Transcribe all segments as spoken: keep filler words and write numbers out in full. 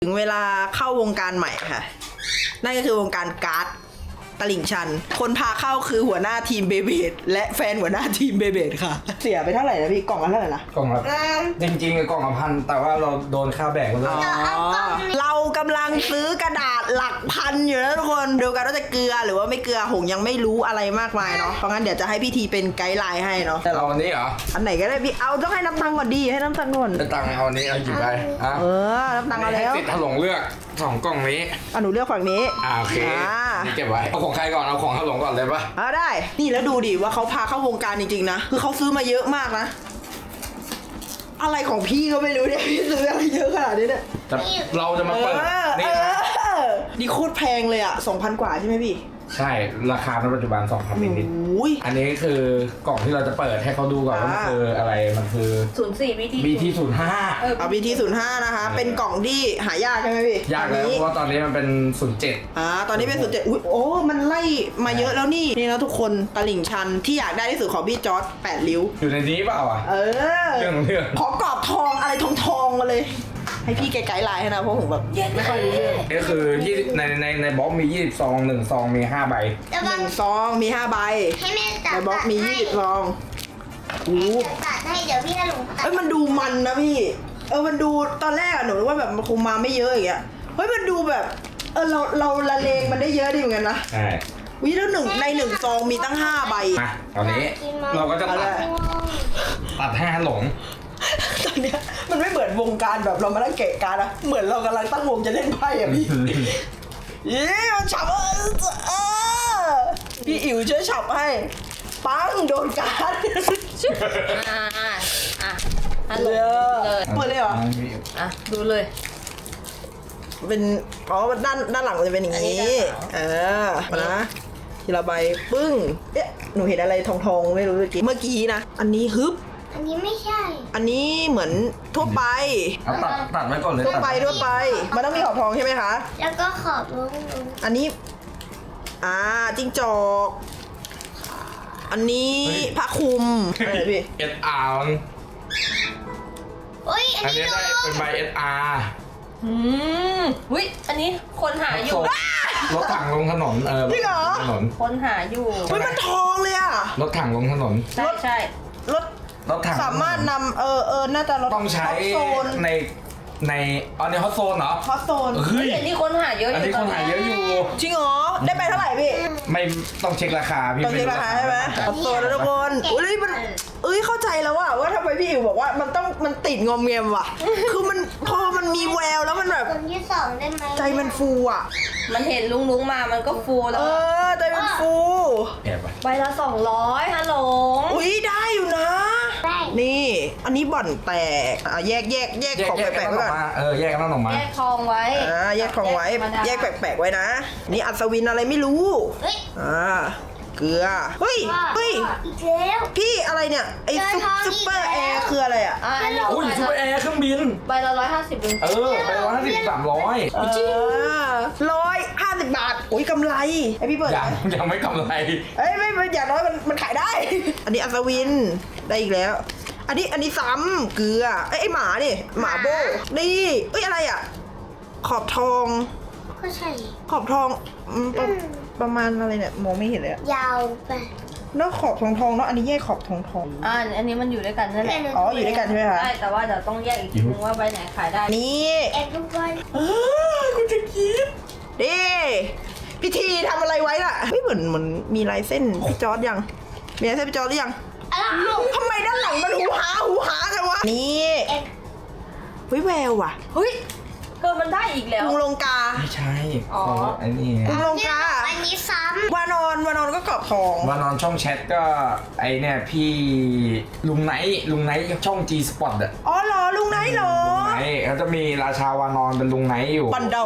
ถึงเวลาเข้าวงการใหม่ค่ะนั่นก็คือวงการการ์ดตลิ่งชันคนพาเข้าคือหัวหน้าทีมเบเบดและแฟนหัวหน้าทีมเบเบดค่ะเสียไปเท่าไหร่นะพี่กล่องละเท่าไหร่นะกล่องละจริงๆกล่องละพันแต่ว่าเราโดนค่าแบกมาด้วยเรากำลังซื้อกระดาษหลักพันอยู่นะทุกคนดูกันว่าจะเกลือหรือว่าไม่เกลือหงยังไม่รู้อะไรมากมายเนาะเพราะงั้นเดี๋ยวจะให้พี่ทีเป็นไกด์ไลน์ให้เนาะเอาอันนี้เหรออันไหนก็ได้พี่เอาต้องให้น้ำตังค์ก่อนดีให้น้ำตังค์ก่อนจะตังค์เอาอันนี้เอาหยิบไปอ่ะเออน้ำตังค์เอาให้แล้วสิทธิ์ถลงเลือกสองกล่องนี้อ่ะหนูเลือกฝั่งนี้อ่าโอเคอ่านี่เก็บไว้เอาของใครก่อนเอาของถลงก่อนเลยปะอ่าได้นี่แล้วดูดิว่าเขาพาเข้าวงการจริงๆนะคือเขาซื้อมาเยอะมากนะอะไรของพี่ก็ไม่รู้เนี่ยพี่ซื้ออะไรเยอะขนาดนี้เนี่ยจะเราจะมาเปิดเออนี่นะเออนี่โคตรแพงเลยอ่ะสองพันกว่าใช่ไหมพี่ใช่ราคาในปัจจุบันสองพันนิดโอ้ยๆอันนี้คือกล่องที่เราจะเปิดให้เขาดูก่อนว่ามันอ่าคืออะไรมันคือศูนย์สี่วิธีบี ที ศูนย์ห้าเออเอา บี ที ศูนย์ห้านะคะ เป็นกล่องที่หายากใช่ไหมพี่ยากตอนแล้วนี้เพราะว่าตอนนี้มันเป็นศูนย์เจ็ดอ่าตอนนี้เป็นสุดเจ็ดอุ้ยโอ้มันไล่มาเยอะแล้วนี่นี่นะทุกคนตลิ่งชันที่อยากได้ที่สุดของพี่จอร์จแปดริ้วอยู่ในนี้เปล่าอ่ะเออเรื่องของเรื่องขอกรอบทองอะไรทองทองๆมาเลย ให้พี่ไกด์ไลน์ให้นะเพราะผมแบบไม่ค่อยรู้เรื่องก็คือยี่สิบในในในบล็อกมียี่สิบซองหนึ่งซองมีห้าใบหนึ่งซองมีห้าใบให้แม่ตัดในบล็อกมียี่สิบซองโอ้ตัดให้เดี๋ยวพี่จะลงตัดเอ้ยมันดูมันนะพี่ เออมันดูตอนแรกอะหนูนึกว่าแบบมันคงมาไม่เยอะอย่างเงี้ยเฮ้ยมันดูแบบเออเราเราละเลงมันได้เยอะดีเหมือนกันนะใช่วิแล้วหนึ่งในหนึ่งซองมีตั้งห้าใบมาตอนนี้เราก็จะตัดตัดห้าหลงตอนเนี้ยมันไม่เหมือนวงการแบบเรามานั่งเกะการนะเหมือนเรากำลังตั้งวงจะเล่นไพ่อะพี่ยี่มันฉับเออเออพี่อิ๋วช่วยฉับให้ปังโดนการ์ดอ่าอ่าอ่ะฮัลโหลเลยเลยเปิดเลยเหรออ่ะดูเลยเป็นอ๋อด้านด้านหลังมันจะเป็นอย่างอันนี้นี้ด้านหลังเออมานะทีละใบปึ้งเอ๊ะหนูเห็นอะไรทองทองๆไม่รู้เมื่อกี้เมื่อกี้นะอันนี้ฮึบอันนี้ไม่ใช่อันนี้เหมือนทั่วไปเอาตัดตัดไว้ก่อนเลยทั่วไปทั่วไป มันต้องมีขอบทองใช่ไหมคะแล้วก็ขอบลงลงอันนี้ อ่าจิ้งจอก อันนี้ผ้าคลุมอะไรพี่เอสอาร์โอ้ยอันอันนี้นี้หนูได้เป็นใบเอสอาร์อืมวิอันนี้คนหาอยู่รถถังลงถนนเออจริงเหรอถนนคนหาอยู่เฮ้ยมันทองเลยอะรถถังลงถนนใช่ใช่รถรถถังสามารถนำเออเออน่าจะรถต้องใช้ฮอตโซนในในอ๋อในฮอตโซนเหรอฮอตโซนเฮ้ยเห็นที่คนหาเยอะออันยู่นี้คนหาเยอะอยู่จริงเหรอ ได้ไปเท่าไหร่พี่ไม่ต้องเช็คราคาพี่ตอนนี้ราคาใช่ไหมฮอตโซนแล้วทุกคนอุ้ยมันเอ้ยเข้าใจแล้วว่าว่าทำไมพี่อิ๋วบอกว่ามันต้องมันติดงอมเงียมว่ะ คือมันพอมันมีแววแล้วมันแบบคนที่สองได้ไหมใจมันฟูอ่ะมันเห็นลุงลุงมามันก็ฟูแล้เอวอใจมันฟูแอบไปใบละสองร้อยฮัลโหลอุ้ยได้อยู่นะได้นี่ อันนี้บ่อนแตกอ่ะแยกแยกแยกแยกของแยกแปลกักนๆอไว้อกก่อนมาเออแยกกันออกมาแยกทองไว้อ่าแยกของไว้ธรรมดาแยกแปลกๆไว้นะ นี่อัศวินอะไรไม่รู้เฮ้ยอ่าเกลือเฮ้ยเฮ้ยอีกแล้วพี่อะไรเนี่ยไอ้ซุปเจอทองอีกซุปเปอร์แอแล้วร์คืออะไรอ่ะอ่าอันนี้อุ้ยซูเปอร์แอร์เครื่องบินใบละร้อยห้าสิบลุงเออไปร้อยห้าสิบสามร้อยร้อยห้าสิบบาทอุ้ยกำไรไอพี่เปิดยังยังไม่กำไรเอ้ยไม่ไม่อย่างน้อยมันมันขายได้ อันนี้อัศวินได้อีกแล้ว อันนี้อันนี้ซ้ำเกลือไอยไอหมานี่หมาโบนี่เอ้ยอะไรอ่ะ ขอบทองก็ใช่ขอบทองอืมประประมาณอะไรเนี่ยมองไม่เห็นเลยอะยาวไปเนอะขอบทองทองเนาะอันนี้แยกขอบทองทองอ่าอันนี้มันอยู่ด้วยกันนั่นแหละอ๋ออยู่ด้วยกันใช่ไหมคะใช่แต่ว่าเดี๋ยวต้องแยกอีกทีนึงว่าใบไหนขายได้นี่แอบดูบอลเออคุณจะคิดดิพิธีทำอะไรไว้ล่ะเฮ้ยเหมือนเหมือนมีลายเส้นพี่จอร์ดยังมีลายเส้นพี่จอร์ดหรือยังอะไรลูกทำไมด้านหลังมันหูหาหูหาไงวะนี่แอบเฮ้ยแววว่ะเฮ้ยเธอมันได้อีกแล้วกรุงลงกาไม่ใช่อ๋อของไอ้นี่กรุงลงกาอันนี้ซ้วานอนวานอนก็กรอบทองมานอนช่องแชทก็ไอเนี่ยพี่ลุงไนท์ลุงไนท์ช่อง G Spot อะอ๋อเหรอลุงไหนเหรอลุงไนท์เขาจะมีราชาวานอนเป็นลุงไนท์อยู่บันเดา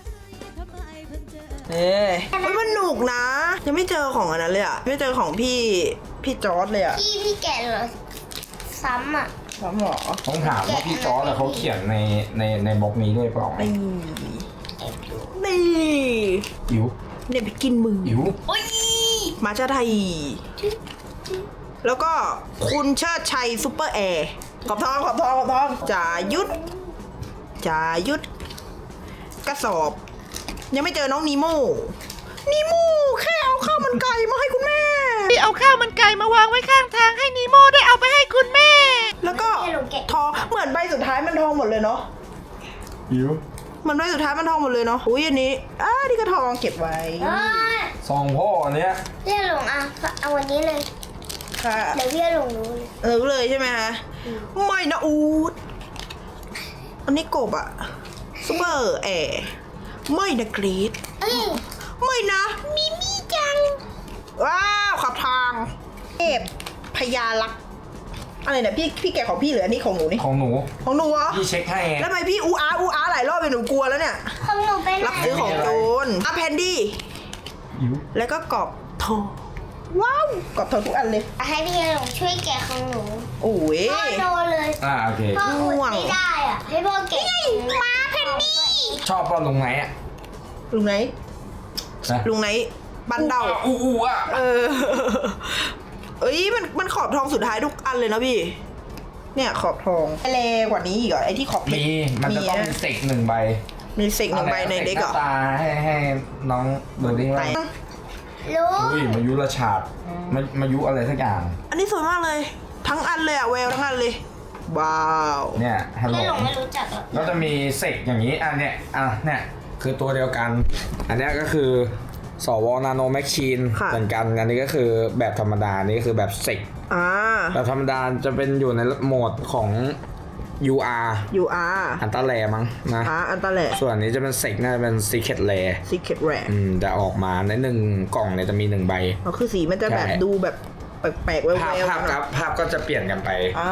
เอ้ยเฮ้ยมันหนุกนะ ยังไม่เจอของอันนั้นเลยอะไม่เจอของพี่พี่จอร์ดเลยอะำพี่พี่แกะเหรอซ้ำอ่ะสามหรอต้องถามว่าพี่จอร์ดอะเขาเขียนในในในบล็อกนี้ด้วยเปล่านี่นี่อิ๋วเนี่ยไปกินมืออิ๋วโอ้ยมาชาไทย แล้วก็คุณเชิดชัยซุปเปอร์แอร์ขอบทองขอบทองขอบทองจ่ายุทธจ่ายุทธกระสอบ ยังไม่เจอน้องนีโม่นีโม่แค่เอาข้าวมันไก่มาให้คุณแม่ที่เอาข้าวมันไก่มาวางไว้ข้างทางให้นีโม่ได้เอาไปให้คุณแม่แล้วก็ทองเหมือนใบสุดท้ายมันทองหมดเลยเนาะหิวเหมือนใบสุดท้ายมันทองหมดเลยเนาะอุ้ยอันนี้อ่านี่ก็ทองเก็บไว้เอ้ยซองพ่ออันเนี้ยพี่หลงอ่ะเอาวันนี้เลยค่ะเดี๋ยวพี่หลงรู้เลยเออเลยใช่ไหมคะไม่นะอูดอันนี้กบอะซูเปอร์แอร์ไม่นะกรีดเอ้ยไม่นะมิมี่จังว้าวขับทางเทพพญาลักษณ์อะไรเนี่ยพี่พี่แกะของพี่เหรืออันนี้ของหนูนี่ของหนูของหนูเหรอพี่เช็คให้แล้วทำไมพี่อูอาอูอาหลายรอบเลยหนูกลัวแล้วเนี่ยของหนูไปไหนรับซื้อของโจรอ่ะแพนดี้หิวแล้วก็กรอบทองว้าวกรอบทองทุกอันเลยให้พี่หลงช่วยแกะของหนูโอ้ยพ่อโดนเลยอ่าโอเคพ่ออุดไม่ได้อ่ะ ให้พ่อแกะมาเพนนี่ชอบเปล่าลุงไหนอ่ะลุงไหนนะลุงไหนบันเดาอู้อู้อ่ะเออ เอ้ยมันมันขอบทองสุดท้ายทุกอันเลยนะพี่ เนี่ยขอบทองเลกว่านี้อีกเหรอไอที่ขอบเพชรมีมันจะต้องมีมีนะเสกหนึ่งใบมีเศษหนึ่งใบในเด็กเหรออาหน้าตาให้ให้น้องเบอร์ดิ้งว่ารู้อุ้ยมายุราชาดมามายุอะไรสักอย่างอันนี้สวยมากเลย ทั้งอันเลยอะแววทั้งอันเลยว้าวเนี่ยฮัลโหลพี่หลงไม่รู้จักหรอกก็จะมีเสกอย่างนี้อันเนี้ยอ่ะเนี่ยคือตัวเดียวกัน อันเนี้ยก็คือสวนาโนแมชชีนเหมือนกันอันนี้ก็คือแบบธรรมดาอันนี้ก็คือแบบเสกอ่าแบบธรรมดาจะเป็นอยู่ในโหมดของ ยู อาร์ยูอาร์อันตาแลมั้งนะอ่าอันตาแหละส่วนอันนี้จะเป็นเซกน่าจะเป็น Secret Rare ซีเคร็ตแรอืมจะออกมาในหนึ่งกล่องเนี่ยจะมีหนึ่งใบอ๋อคือสีมันจะแบบใช่ดูแบบแปลกๆแววภาพๆภาพครับภาพก็จะเปลี่ยนกันไปอ่า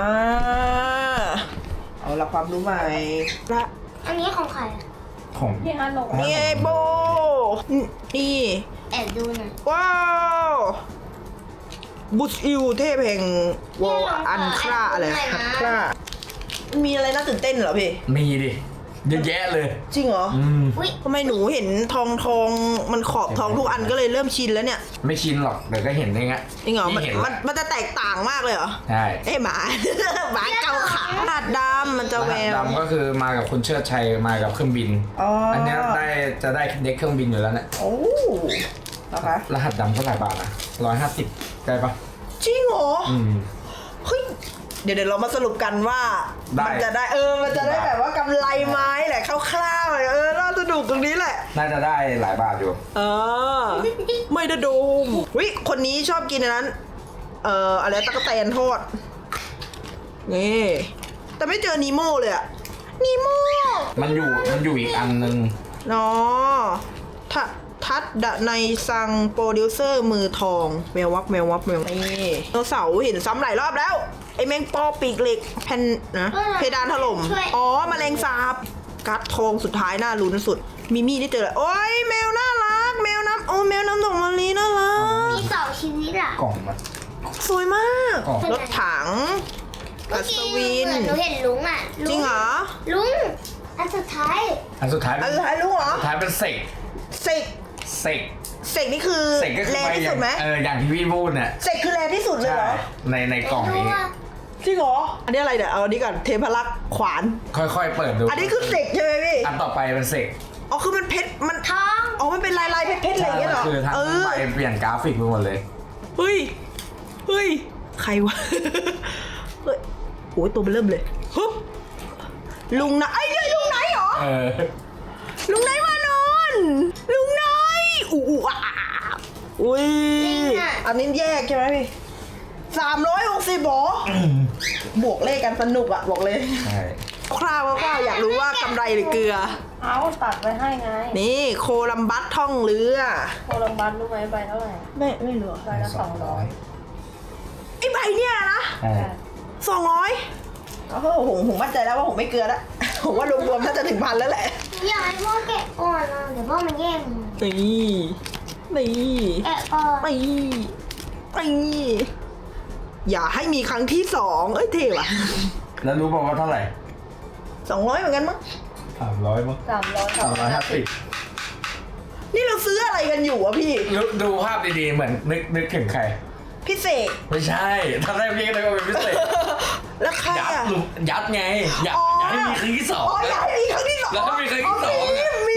เอาละความรู้ใหม่ละอันนี้ของใครอะของพี่ฮันลงนี่ไงโบนี่แอบดูหน่อยว้าวบุชอิวเทพแห่งวอลอันคราอะไรฮันครามีอะไรน่าตื่นเต้นเหรอพี่มีดิเยอะแยะเลยจริงเหรออืมอุ้ยทำไมหนูเห็นทองทองมันขอบทองทุกอันก็เลยเริ่มชินแล้วเนี่ยไม่ชินหรอกเดี๋ยวก็เห็นเองอะจริงเหรอมันเห็นมันมันจะแตกต่างมากเลยเหรอใช่เอ้ยหมา หมาเกาขาหาดดำมันจะแววดำก็คือมากับคุณเชิดชัยมากับเครื่องบินอ๋ออันเนี้ยได้จะได้เด็กเครื่องบินอยู่แล้วเนี่ยโอ้นะคะรหัสดำเท่าไหร่บาทนะร้อยห้าสิบได้ปะจริงเหรออืมเฮ้ยเดี๋ยวเดี๋ยวเรามาสรุปกันว่าได้มัจะได้เออมันจะได้แบบว่ากำไรไหม้แหละคร่าวๆเออน่าสนุกตรงนี้แหละน่าจะได้หลายบาทอยู่เออไม่ได้ดูวิคนนี้ชอบกินอันนั้น เอ่ออะไรตะกั่วแตนทอดนี่แต่ไม่เจอนีโม่เลยอะนีโม่มันอยู่มันอยู่อีกอันนึงเนาะทัดทัดดะในซังโปรดิวเซอร์มือทองแมววับแมววับแมวนี่โนเสาร์เห็นซ้ำหลายรอบแล้ว ไอแมงปอปีกเหล็กแผ่นนะเพดานถล่มอ๋อแมลงสาบกัดทองสุดท้ายน่าลุ้นสุดมิมี่ได้เจอแล้วโอ้ยแมวน่ารักแมวน้ำโอ้แมวน้ำดอกมะลิน่ารักมีสองชีวิตอ่ะกล่องมันสวยมากอ๋อรถถังเมื่อัอศกี้วินเหมือนหนูเห็นลุงอ่ะจริงเหรอลุงอันสุดท้ายอันสุดท้ายอัเป็น นสุดท้ายรู้เหรอสุดท้ายเป็นเสกเสกเสกเสกนี่คือเสกก็คือแรไปที่อย่าสุงดไหมเอออย่างที่พี่พูดเนี่ยเสกคือแรที่สุดเลยใช่เหรอในในกล่องไม่นี้รู้ว่าจริงเหรออันนี้อะไรเนี่ยเอาอันนี้ก่อนเทพลักษ์ขวานค่อยๆเปิดดูอันนี้คือเสกใช่ไหมพี่อันต่อไปเป็นเสกอ๋อคือมันเพชรมันทองอ๋อมันเป็นลายลายเพชรเพชรอะไรอย่างเงี้ยเหรอคือทั้งเออใบเปลี่ยนกราฟิกไปหมดเลยเฮ้ยเฮ้ยใครวะเฮ้ยโอ้ยตัวมันเริ่มเลยฮึบลุงนะไอ้ยเนี่ยลุงไหนเหรอเออลุงไหนมานอนลุงไหนอู้อู้อ่ะอ่ะอุ้ยอันนี้แยกใช่ไหมพี่สามร้อยหกสิบบอบวกเลขกันสนุกอะบอกเลยใช่คร่าวๆคร่าวๆอยากรู้ว่ากำไรหรือเกลือเอาตัดไว้ให้ไงนี่โคลัมบัสท่องเรือโคลัมบัสรู้ไหมใบเท่าไหร่ไม่ไม่รู้ใบละสองร้อยไอ้ใบเนี่ยนะใช่สองร้อยโอ้โหผมผมมั่นใจแล้วว่าผมไม่เกลือแล้ว ผมว่ารวมๆน่าจะถึงพันแล้วแหละอยากให้พ่อแกะก่อนนะเดี๋ยวพ่อมันแย่งนี่นี่แกะก่อนนี่นี่อย่าให้มีครั้งที่สองเอ้ยเท่ว่ะแล้วรู้ป่าวว่าเท่าไหร่สองร้อยเหมือนกันมั้งสามร้อยมั้งสามร้อยสามร้อยห้าสิบนี่เราซื้ออะไรกันอยู่อะพี่ดูภาพดีๆเหมือนนึกนึกถึงใครพี่เสกไม่ใช่ถ้าได้พี่ก็เลยว่าเป็นพิเศษแล้วใครยัดอะลุงยัดไงอยากอ๋ออยากให้มีครั้งที่สองอ๋ออยากให้มีครั้งที่สองแล้วถ้ามีครั้งที่สองมีอะมีม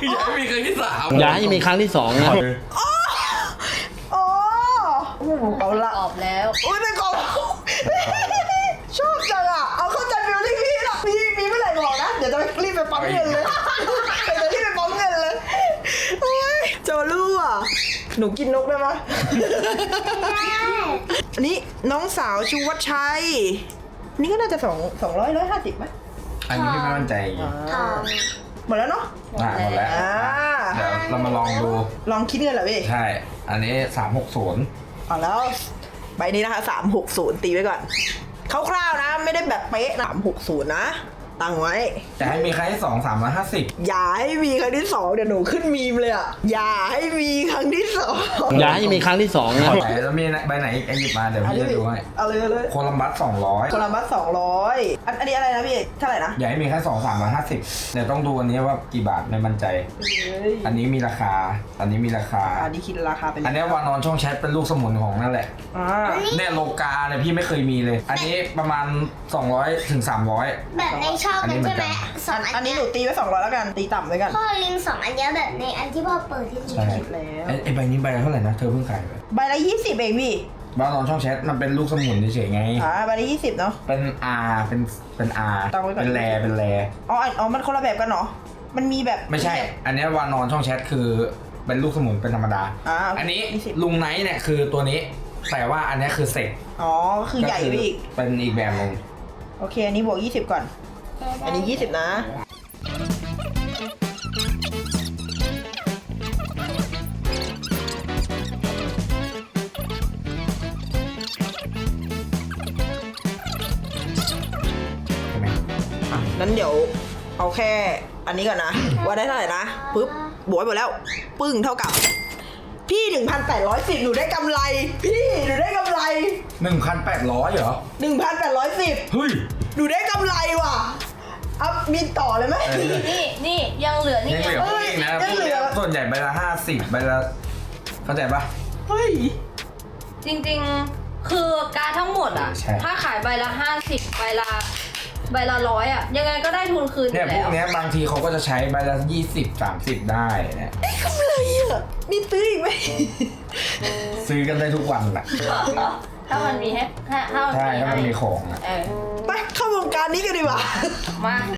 อย่าให้มีครั้งที่สามอย่าให้มีครั้งที่สองนะโอ้เอาละตอบแล้วอุ้ยเป็นของชอบจังอ่ะเอาเข้าใจฟิลลิ่งพี่ละมีมีเมื่อไหร่บอกนะเดี๋ยวจะไปรีบไปปั๊มเงินเลยเดี๋ยวจะรีบไปปั๊มเงินเลยโอ้ยจะมาลู่อ่ะหนูกินนกได้ไหมอันนี้น้องสาวชูวัชชัยนี่ก็น่าจะสองสองร้อยร้อยห้าสิบไหมอันนี้พี่ไม่มั่นใจอีกทองหมดแล้วเนาะอ่ะหมดแล้วอ่าเดี๋ยวเรามาลองดูลองคิดเงินเหรอพี่ใช่ อันนี้สามหกศูนย์เอาแล้วใบนี้นะคะสามหกศูนย์ตีไว้ก่อนคร่าวๆนะไม่ได้แบบเป๊ะสามหกศูนย์นะตั้งไว้จะให้มีครั้งที่สองสามร้อยห้าสิบอย่าให้มีครั้งที่สองเดี๋ยวหนูขึ้นมีมเลยอ่ะอย่าให้มีครั้งที่สองอย่าให้มีครั้งที่สองนะไหนแล้วมีใบไหนอีกไอ้หยิบมาเดี๋ยวอันพี่นี้จะดูให้เอาเลยเอาเลยโคลัมบัสสองร้อยโคลัมบัสสองร้อยอันอันนี้อะไรนะพี่เท่าไหร่นะอย่าให้มีแค่สองสามร้อยห้าสิบเดี๋ยวต้องดูอันนี้ว่ากี่บาทไม่มั่นใจ อันนี้มีราคา อันนี้มีราคาอันนี้คิดราคาเป็นอันนี้วานอนช่องแชทเป็นลูกสมุนของนั่นแหละอ่าเนี่ยโลกาเนี่ยพี่ไม่เคยมีเลย อันนี้ประมาณสองร้อยถึงสามร้อยแบบในช่องอันนี้นั้นเหมืใช่อนไหมกันสออังนอัอันนนี้เนี้ยหนูตีไว้สองร้อยแล้วกันตีต่ำไว้กันพ่อลิงสองอันเนี้ยแบบในอันที่พ่อเปิดที่หนูใช่คิดแล้วไอ้ไอ้ใบนี้ใบละเท่าไหร่นะ เธอเพิ่งขายไปใบละยี่สิบเองพี่วานอนช่องแชทมันเป็นลูกสมุนเฉยๆไงอ่าใบละยี่สิบเนาะเป็น R เป็นเป็น R ตั้งไว้ก่อนเป็นแรเป็นแรอ๋ออันอ๋อมันคนละแบบกันเหรอมันมีแบบไม่ใช่ อันนี้วานอนช่องแชทคือเป็นลูกสมุนเป็นธรรมดาอ่าอันนี้ยี่สิบลุงไนท์เนี่ยคือตัวนี้ แต่ว่าอันนี้คือเสกอ๋อคือใหญ่ไปอีกเป็นอีกแบบหนึงโอเค อันนี้บวกยี่สิบก่อน อันนี้ยี่สิบนะใช่ไหมอ่ะนั้นเดี๋ยวเอาแค่อันนี้ก่อนนะ ว่าได้เท่าไหร่นะปุ๊บบวกไปหมดแล้ว ปึ้งเท่ากับ พี่หนึ่งพันแปดร้อยสิบหนูได้กำไร พี่หนูได้กำไรหนึ่งพันแปดร้อยเหรอหนึ่งพันแปดร้อยสิบเฮ้ยหนูได้กำไรว่ะอัพบินต่อเลยไหมเออนี่นี่ยังเหลือนี่ยังเหลือพวกนี้นะเอ้พยวกยังเหลืเนี้อยส่วนใหญ่ใบละห้าสิบใบละเข้าใจปะเฮ้ยจริงๆ คือการทั้งหมดอ่ะใช่ถ้าขายใบละห้าสิบใบละใบละร้อยอ่ะ ยังไงก็ได้ทุนคืนอเนี่ยยู่พวแล้วกเนี้ยบางทีเขาก็จะใช้ใบละยี่สิบสามสิบได้เนี่ยได้กำไรอ่ะ มีตื้ออีกไหมซื้อกันได้ทุกวันแหละถ้ามันมีให้ถ้าถ้ามันใช่ถ้ามันให้มีของอะเออไปเข้าวงการนี้กันดีกว่ามา